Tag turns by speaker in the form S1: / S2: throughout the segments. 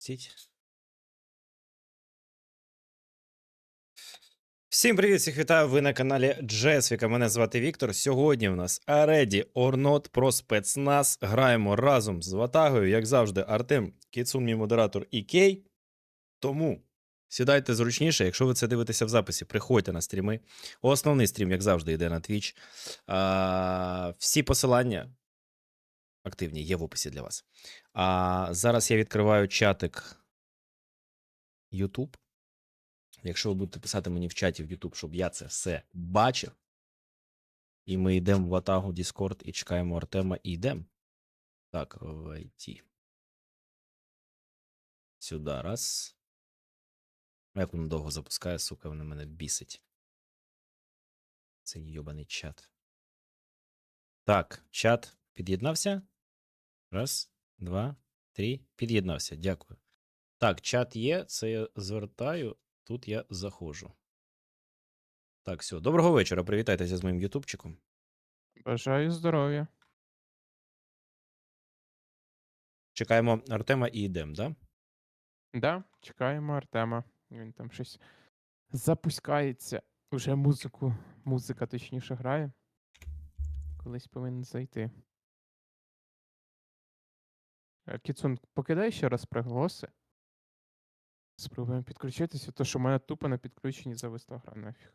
S1: Стіть. Всім привіт, всіх вітаю, ви на каналі Джесвіка, мене звати Віктор. Сьогодні в нас Ready or Not про спецназ. Граємо разом з Ватагою, як завжди, Артем, Кіцун, мій модератор і Кей. Тому сідайте зручніше, якщо ви це дивитеся в записі, приходьте на стріми. Основний стрім, як завжди, йде на Twitch. Всі посилання активні є в описі для вас. Зараз я відкриваю чатик YouTube. Якщо ви будете писати мені в чаті в YouTube, щоб я це все бачив, і ми йдемо в Ватагу, Discord і чекаємо Артема, і йдемо. Так, войти. Сюди, раз. Як воно довго запускає, сука, воно мене бісить. Цей йобаний чат. Так, чат під'єднався. Раз, два, три. Під'єднався, дякую. Так, чат є, це я звертаю, тут я заходжу. Так, все. Доброго вечора, привітайтеся з моїм ютубчиком.
S2: Бажаю здоров'я.
S1: Чекаємо Артема і йдемо, да?
S2: Да, чекаємо Артема. Він там щось запускається. Уже музика точніше грає. Колись повинен зайти. Кіцун, покидай ще раз приголоси. Спробуємо підключитися, то що в мене тупо на підключенні зависла гра нафіг.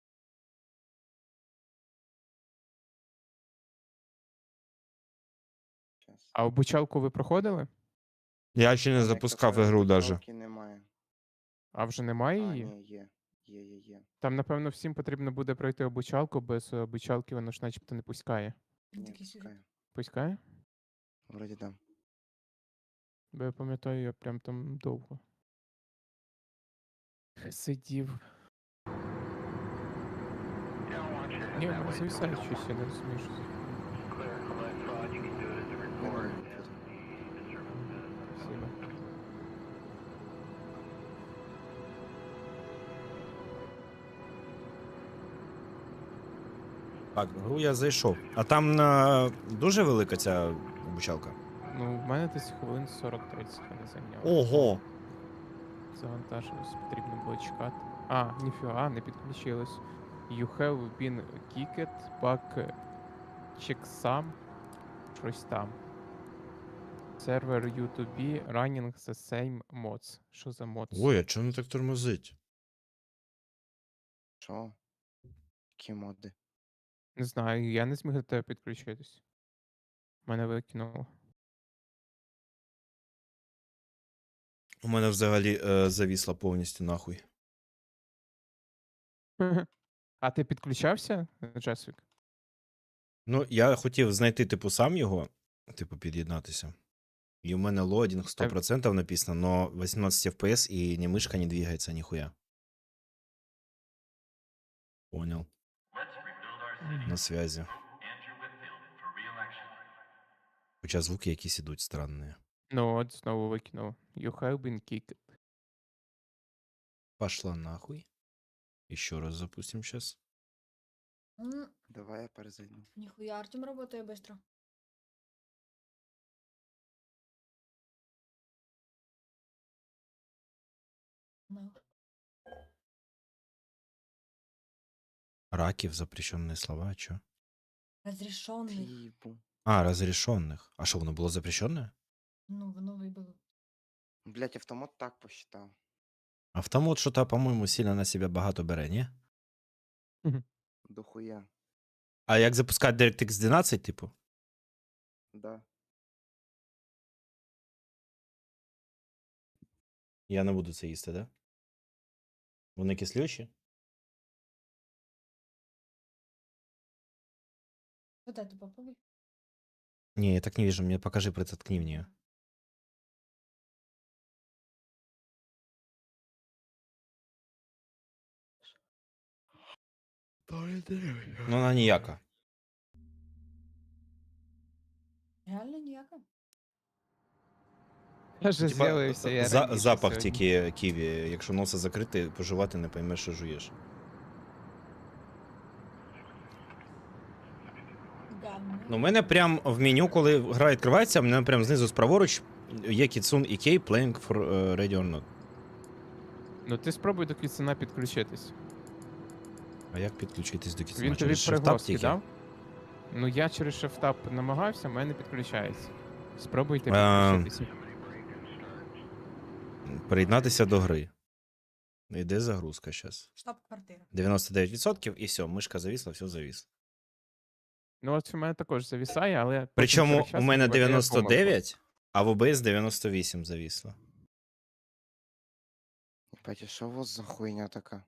S2: А обучалку ви проходили?
S3: Я ще не запускав ігру даже.
S4: Немає.
S2: А вже немає
S4: А,
S2: її?
S4: ні, є. Є.
S2: Там, напевно, всім потрібно буде пройти обучалку, без обучалки воно ж начебто не пускає.
S4: Ні, пускаю.
S2: Пускає?
S4: Вроді да.
S2: Бо я пам'ятаю, я прям там довго сидів. Ні, в мене зависає щось, я не розумію, що це. Спасибо.
S1: Так, в гру я зайшов. А там дуже велика ця обучалка?
S2: Ну, в мене десь хвилин 40-30 мене зайняло.
S1: Ого!
S2: Завантажилось, потрібно було чекати. А, ніфіга, не підключилось. You have been kicked back checksum. Щось там. Сервер U2B running the same mods. Що за mods?
S1: Ой, а чому не так тормозить?
S4: Що? Які моди?
S2: Не знаю, я не зміг до тебе підключитись. Мене викинуло.
S1: У мене взагалі завісла повністю нахуй.
S2: А ти підключався, Джесвік?
S1: Ну, я хотів знайти, типу, сам його, типу, під'єднатися. І у мене лоадінг 100% написано, но 18 FPS і ні мишка не двигається, ніхуя. Понял. На связі. Хоча звуки якісь ідуть странні.
S2: Ну от, знову викинув. You have been kicked.
S1: Пошла нахуй. Еще раз запустим сейчас.
S4: Давай я перезайду.
S5: Нихуя, Артем работает быстро. Ну.
S1: Раків, запрещенные слова, чё?
S5: Разрешенный.
S4: Типу.
S1: А, разрешенных. А что, воно було запрещенное?
S5: Ну, воно вибило.
S4: Блять, автомат так посчитав.
S1: Автомат що-то, по-моєму, сильно на себе багато бере, ні?
S4: Дохуя.
S1: А як запускати DirectX 12, типу?
S4: Да.
S1: Я не буду це їсти, да? Вони кислючі?
S5: Вот это попробуй.
S1: Не, я так не вижу, мне покажи, притоткни в нее. Ну, вона ніяка.
S5: Реально ніяка.
S2: Я же
S1: Типа,
S2: з'явився, я раніше
S1: запах
S2: сьогодні.
S1: тільки ківі. Якщо носа закрити, поживати не поймеш, що жуєш.
S5: Гадно.
S1: Ну, у мене прям в меню, коли гра відкривається, у мене прям знизу справоруч є Кіцун і Кей playing for Ready or Not.
S2: Ну ти спробуй до Кіцуна підключитись.
S1: А як підключитись до Кіцуна?
S2: Він тобі
S1: Через Shift-Tab
S2: пригроз
S1: тільки?
S2: кидав? Ну я через Shift-Tab намагався, в мене підключається. Спробуйте
S1: Ем,
S2: підключитися.
S1: Приєднатися до гри. Йде загрузка зараз.
S5: Штаб-квартира.
S1: 99% і все, мишка завісла, все завісло.
S2: Ну от у мене також завісає, але... потім
S1: Причому
S2: через
S1: у
S2: час
S1: мене
S2: видає помилку.
S1: 99, а в OBS 98 завісло.
S4: Єбать, а що у вас за хуйня така?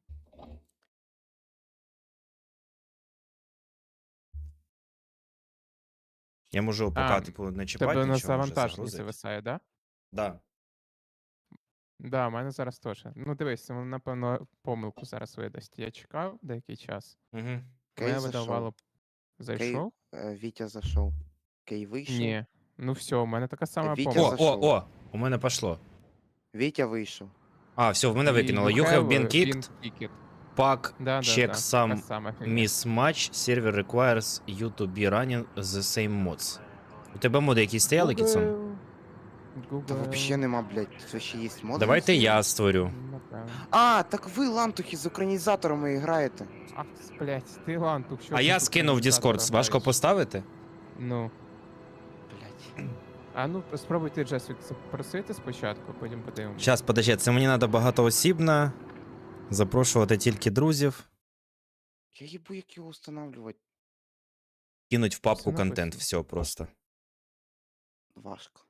S1: Я можу ОПК,
S2: А,
S1: типу, не
S2: В
S1: чіпати,
S2: тебе на
S1: нічого, може
S2: завантаженні
S1: загрузити.
S2: зависає, да?
S1: Да.
S2: Да, у мене зараз теж. Ну дивись, воно, напевно, помилку зараз видасть. Я чекав деякий час.
S1: Угу.
S2: Мене
S4: Кей
S2: видавало. Зайшов?
S4: Вітя зайшов. Кей вийшов.
S2: Ні. Ну все, у мене така сама
S4: Вітя
S2: помилка.
S4: зайшов.
S1: У мене пішло.
S4: Вітя вийшов.
S1: А, все, в мене
S2: І
S1: викинуло. You have been kicked,
S2: kicked.
S1: pack,
S2: Да,
S1: check
S2: така
S1: some
S2: сама фігня.
S1: mismatch, server requires you to be running the same mods. У тебе моди якісь стояли, Кіцун?
S2: Google.
S4: Та вообще нема, блядь, це ще є моди.
S1: Давайте я створю.
S2: Напевно.
S4: А, так ви лантухи з українізаторами граєте.
S2: Ах, блядь, ти лантух, що
S1: А
S2: ти
S1: я
S2: тут
S1: скинув в
S2: організатора
S1: Discord, важко
S2: граєш?
S1: поставити?
S2: Ну.
S4: Блядь.
S2: А ну, спробуйте Джесвік запросити спочатку, потім подивимося.
S1: Зараз, подожди, це мені треба багатоосібно. Запрошувати тільки друзів.
S4: Я їбу, як його встановлювати.
S1: Кинуть в папку
S2: Все
S1: контент,
S2: написано.
S1: все просто.
S4: Важко.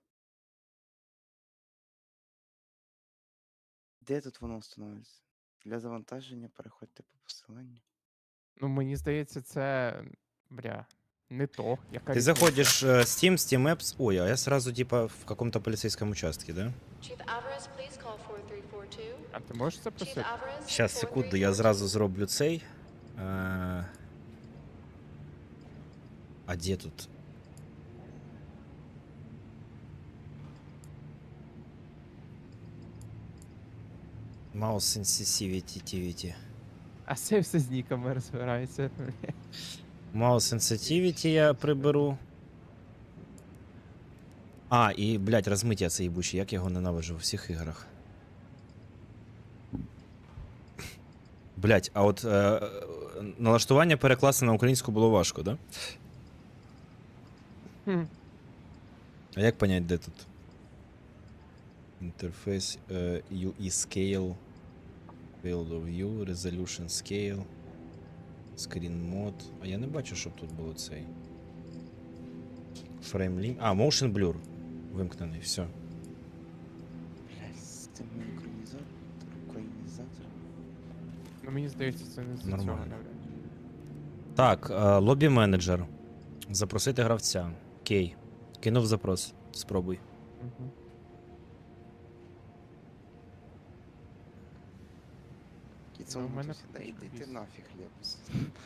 S4: Де тут воно встановлюється? Для завантаження переходьте по посиланню.
S2: Ну, мені здається, це. Бля. Не то. Яка
S1: Ти
S2: різниця?
S1: заходиш Steam, Steam Apps. Ой, а я сразу типа в каком-то полицейском участке, да?
S6: Chief Alvarez, please call 4342.
S2: А ти можеш
S6: Chief
S2: запросити?
S6: Alvarez.
S1: Щас, секунду, я зразу зроблю цей. А де тут? Mouse sensitivity.
S2: А це все з ніками розбирається.
S1: Mouse sensitivity я приберу. А, і, блядь, розмиття це їбуче, як я його ненавиджу у всіх іграх. Блядь, а от налаштування перекласти на українську було важко, да?
S2: Хм.
S1: А як понять, де тут? Інтерфейс UE Scale, Field of View, Resolution Scale, Screen Mode. А я не бачу, щоб тут було цей. Frame Limit. А, Motion Blur. Вимкнений, все.
S4: Блядь, з цим українізатором.
S2: Ну мені здається, це не з цього
S1: Нормально.
S2: навряд.
S1: Так, лобі менеджер. Запросити гравця. Кей. Кинув запрос. Спробуй.
S2: Мгм.
S4: Кіцун,
S2: Ну, в мене
S4: да йди ти
S2: віз.
S4: нафіг, Лепс.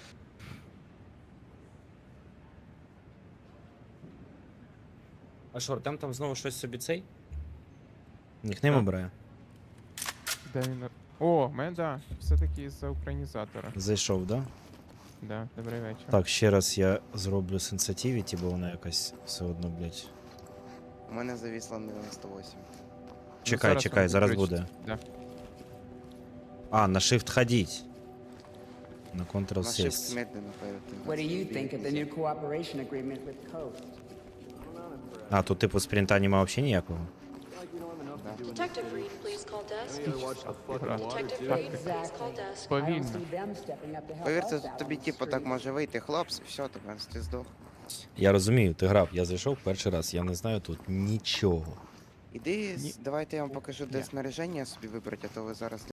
S1: А що, там знову щось собі цей? Нікнейм
S2: Так.
S1: обирає.
S2: Де він? О, в мене, да. Все-таки з-за українізатора.
S1: Зайшов, да?
S2: Да, добрий вечір.
S1: Так, ще раз я зроблю sensitivity, бо вона якась все одно, блядь.
S4: У мене завісло на 98.
S2: Ну,
S1: Чекай, чекай,
S2: воно
S1: зараз
S2: підключиться.
S1: буде.
S2: Да.
S1: А, на Shift ходіть. На Ctrl
S4: На shift
S1: сесть.
S4: медленно перед.
S7: What do you think of the new cooperation agreement with Coast?
S1: А, тут типу спринта нема взагалі ніякого.
S6: Detective Reed, please call desk.
S2: Гра.
S6: Detective Reed, please call desk.
S7: I don't
S2: Повільно.
S7: see them stepping up to help
S4: Повірте,
S7: us out
S4: тобі
S7: on the
S4: типу так
S7: street.
S4: може вийти, хлопці, все, тебе ти здох.
S1: Я розумію, ти грав, я зайшов перший раз, я не знаю тут нічого.
S4: Іди,
S2: Ні.
S4: давайте я вам покажу, де
S2: Ні.
S4: снаряження собі вибрати, а то ви зараз